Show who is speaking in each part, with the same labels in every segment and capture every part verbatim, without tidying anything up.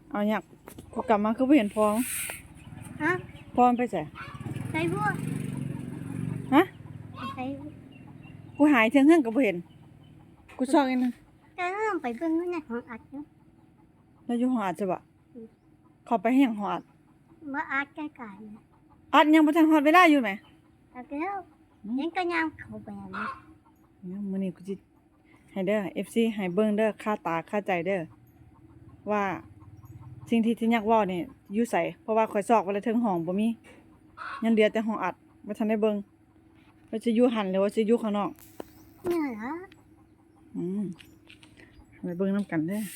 Speaker 1: เอาหยักกูกลับมาคือบ่เห็นพอง
Speaker 2: ฮะ
Speaker 1: พองไปไส
Speaker 2: ใส่บัว
Speaker 1: ฮะ
Speaker 2: ใส่
Speaker 1: กูหายเทิงเฮือนก็บ่เห็นกูซอกอีกนึง
Speaker 2: จะต้องไปเบิ่งในห้องอัดเนาะ
Speaker 1: แล้วอยู่หออัดซะบ่เข้าไปให้หยังหออัด
Speaker 2: บ่อัดใกล้ๆนะ
Speaker 1: อัดยังบ่ทันฮอดเวลาอยู่แหม
Speaker 2: แล้วก็ยังก็ยังเข้าไปอันนี้
Speaker 1: เนี่ยมื้อนี้กูสิให้เด้อ เอฟ ซี ให้เบิ่งเด้อคาตาคาใจเด้อว่าสิ่งที่ที่อยากเว้านี่อยู่ไสเพราะว่าข่อยซอกไว้แล้วเทิงห้องบ่มียังเหลือแต่ห้องอัดบ่ทันได้เบิ่งว่าสิอยู่หันหรือว่าสิอยู่ข้างนอก
Speaker 2: เนี่ยเหรอ
Speaker 1: อืมไปเบิ่งนำกันเด้อ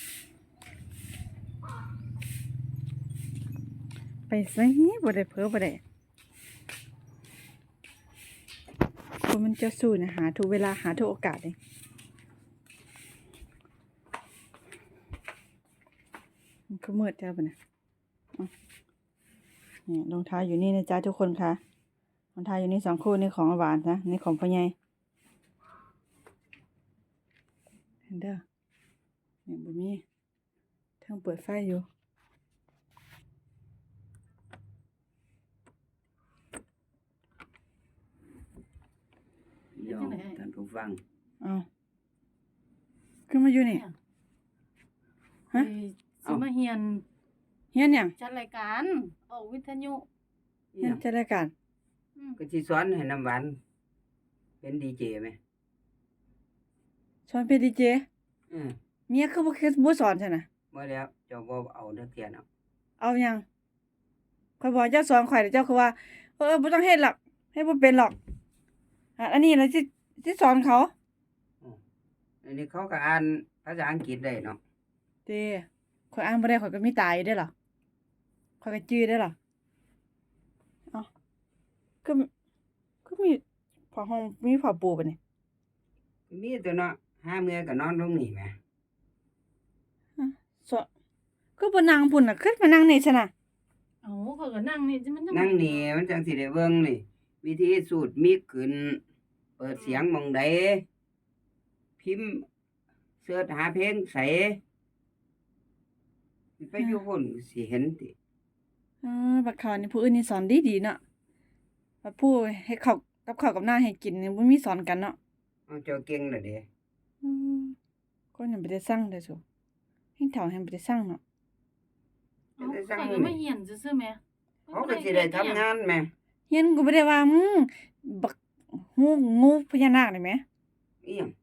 Speaker 1: ไปไสบ่ได้เผลอบ่ได้คนมันจะสู้นะหาทุกเวลาหาทุกโอกาสเลยมันก็มืดแล้วปะเนี่ยนี่รองเท้าอยู่นี่นะจ๊ะทุกคนค่ะรองเท้าอยู่นี่สองคู่นี่ของหวานนะนี่ของพ่อใหญ่เห็นเด้อนี่บ่มีเทิงเปิดไฟอยู่
Speaker 3: เดี๋ยวท่านผู้ฟัง
Speaker 1: เอาขึ้นมาอยู่นี่ฮะ
Speaker 4: สิมาเฮียน
Speaker 1: เฮียนหยัง
Speaker 4: จัดรายการออกวิทยุ
Speaker 1: เฮียนจัดรายการ
Speaker 3: ก็สิสอนให้น้ำหวานเป็นดีเจไหม
Speaker 1: สอนเป็นดีเจ
Speaker 3: อือ
Speaker 1: เมียคือบ่คือบ่สอนใช่น่ะ
Speaker 3: บ่แล้วเจ้าบ่เอานักเรียนเอา
Speaker 1: เอาหยังข่อยบอกเจ้าสอนข่อยเจ้าคือว่าเออบ่ต้องเฮ็ดหรอกเฮ็ดบ่เป็นหรอกอันนี้ล่ะสิสิสอนเขา
Speaker 3: อันนี้เขาก็อ่านภาษาอังกฤษได้เนาะ
Speaker 1: เด้ข่อยอ่านบ่ได้ข่อยก็มีตาอยู่เด้อล่ะข่อยก็จื้อได้ล่ะเอ้าคือคือมีผ้าห่มมีผ้าปูบัดนี้
Speaker 3: มีตัวเนาะหาเมื่อก็นอนลงนี่แหม
Speaker 1: สคือบ่นั่งพุ่นน่ะขึ้นมานั่งนี่ซั่นน่ะ
Speaker 4: เอ้าเขาก็นั่งนี่มัน
Speaker 3: นั่งนี่มันจังสิได้เบิ่งนี่วิธีสูตรมิกขึ้นเปิดเสียงหม้องใดพิมพ์เสิร์ชหาเพลงไสไปอยู่พุ่นสิเห็นติ
Speaker 1: เออบักเขานี่ผู้อื่นนี่สอนดีๆเนาะบัดผู้ให้ข้าวกับข้าวกับน้าให้กินนี่บ่มีสอนกันเนาะ
Speaker 3: เอาเจ้าเก่งล่ะเด้
Speaker 1: อือคนยังบ่ได้สั่งเด้อซุเฮ็ดเฒ่าแฮงบ่ได้สั่งเนาะ
Speaker 4: เอ้าเขาก็มาเฮียนซื่อๆแหม
Speaker 3: เขาก็สิได้ทำงานแหม
Speaker 1: เฮียนก็บ่ได้ว่ามึงบักงูงูพญานาคนี่แหม
Speaker 3: อีหยัง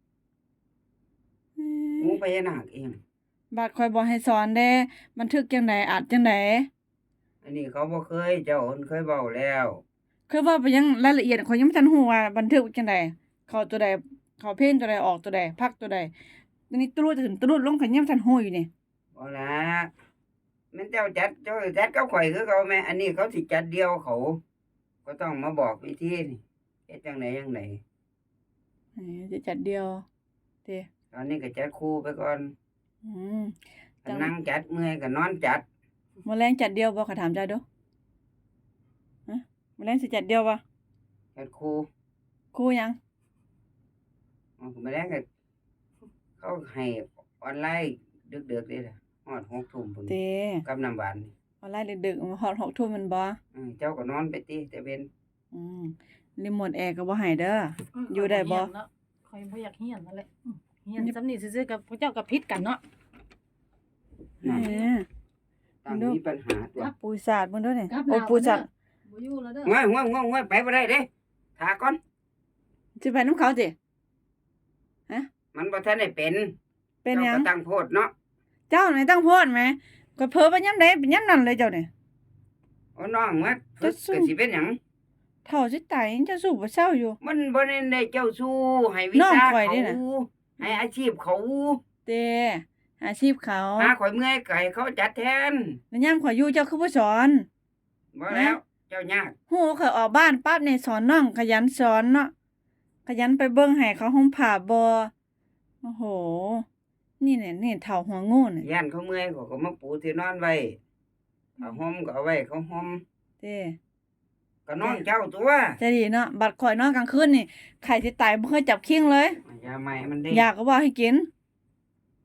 Speaker 3: งูพญานาคอีหยัง
Speaker 1: บาดข่อยบ่ให้สอนเด้บันทึกจังได๋อัดจังได๋
Speaker 3: อันนี้เขาบ่เคยเจ้าเพิ่นเคยเว้าแล้ว
Speaker 1: คือว่าไปยังรายละเอียดข่อยยังบ่ทันฮู้ว่าบันทึกจังได๋เข้าตัวใดเข้าเพลงตัวใดออกตัวใดพักตัวใดอันนี้ตรุดขึ้นตรุดลงข่อยยังบ่ทันฮู้อยู่นี่
Speaker 3: บ่ล่ะแม่นเจ้าจัดเจ้าจัดกับข่อยคือเก่าแม่อันนี้เขาสิจัดเดี่ยวเขาก็ต้องมาบอกวิธีนี่เฮ็ดจังไดจังได
Speaker 1: เอ้จะจัดเดียวเด้
Speaker 3: ตอนนี้ก็จัดคู่ไปก่อน
Speaker 1: อืม
Speaker 3: ก็นั่งจัดเมื่อยก็นอนจัด
Speaker 1: มื้อแลงจัดเดียวบ่ขอถามจ้าเด้อฮะมื้อแลงสิจัดเดียวบ่
Speaker 3: จัดคู่
Speaker 1: คู่หยัง
Speaker 3: อ๋อมื้อแลงก็เขาให้ออนไลน์ดึกๆเด้ล่ะฮอดหกทุ่มพุ่น
Speaker 1: เด้
Speaker 3: กับน้ำหวานนี่
Speaker 1: ออนไลน์ดึกๆฮอดหกทุ่มแม่นบ่
Speaker 3: อือเจ้าก็นอนไปติแต่เว้น
Speaker 1: อืมรีโมทแอร์ก็บ่ให้เด้ออยู่ได้บ่
Speaker 4: ข่อยบ่อยากเฮียนนั่นแหละเฮียนซำนี้ซื่อๆกับพวกเจ้าก็ผิดกันเนาะ
Speaker 1: แหม
Speaker 3: ตั้งมีปัญหาตัว
Speaker 1: ปูศาสตร์เบิ่งเด้อนี่โอ้ปูศาสตร์
Speaker 4: บ่อยู่แล้วเด้อ
Speaker 3: ง่วยๆๆๆไปบ่ได้เด้ท่าก่อน
Speaker 1: สิไปนำเขาติฮะ
Speaker 3: มันบ่ทันได้เป็น
Speaker 1: เป็นหยัง
Speaker 3: ก็ตั้งโพดเนาะ
Speaker 1: เจ้านี่ตั้งโพดแหมก็เผลอไปยามใดเป็นยามนั้นเลยเจ้านี่
Speaker 3: โอ้น้องว่าก็สิเป็นหยัง
Speaker 1: เฒ่าสิตายยังจะสู้บ่เซาอยู่
Speaker 3: มันบ่ได้ได้เจ้าสู้ให้วิชาเขาให้อาชีพเขา
Speaker 1: เต้อาชีพเขา
Speaker 3: หาข่อยเมื่อยก็ให้เขาจัดแทน
Speaker 1: แล้วยามข่อยอยู่เจ้าคือบ่สอน
Speaker 3: บ่แล้วเจ้ายาก
Speaker 1: ฮู้ข่อยออกบ้านปั๊บนี่สอนน้องขยันสอนเนาะขยันไปเบิ่งให้เขาห่มผ้าบ่โอ้โหนี่แหละนี่เฒ่าหัวงูน่ะ
Speaker 3: ย่านเขาเมื่อยเขาก็มาปูที่นอนไว้ผ้าห่มก็เอาไว้เขาห่ม
Speaker 1: เต้
Speaker 3: ก็น้องเจ้าตัว
Speaker 1: จะดีเนาะบัดข่อยนอนกลางคืนนี่ไข้สิตายบ่เคยจับคิงเลย
Speaker 3: ยาใหม่มันได้
Speaker 1: ยาก็บ่ให้กิน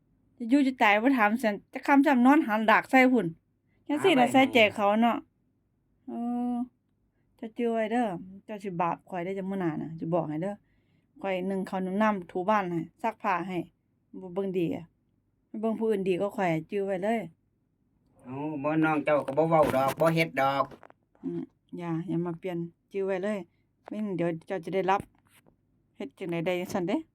Speaker 1: จะอยู่จะตายบ่ถามซั่นจะคำจำนอนหันดากใส่พุ่นจังซี่ล่ะใส่ใจเขาเนาะเออจะจื้อไว้เด้อเจ้าสิบาปข่อยได้อจังมื้อหน้าน่ะสิบอกให้เด้อข่อยนึ่งข้าวนึ่งน้ำถูบ้านให้ซักผ้าให้บ่เบิ่งดีอะเบิ่งผู้อื่นดีกว่าข่อยจื้อไว้เลย
Speaker 3: เอาบ่น้องเจ้าก็บ่เว้าดอกบ่เฮ็ดดอก
Speaker 1: อืมอย่าอย่ามาเปลี่ยนจื้อไว้เลยไม่งั้นเดี๋ยวเจ้าจะได้รับเฮ็ดจังได๋ได้จังซั่นเด้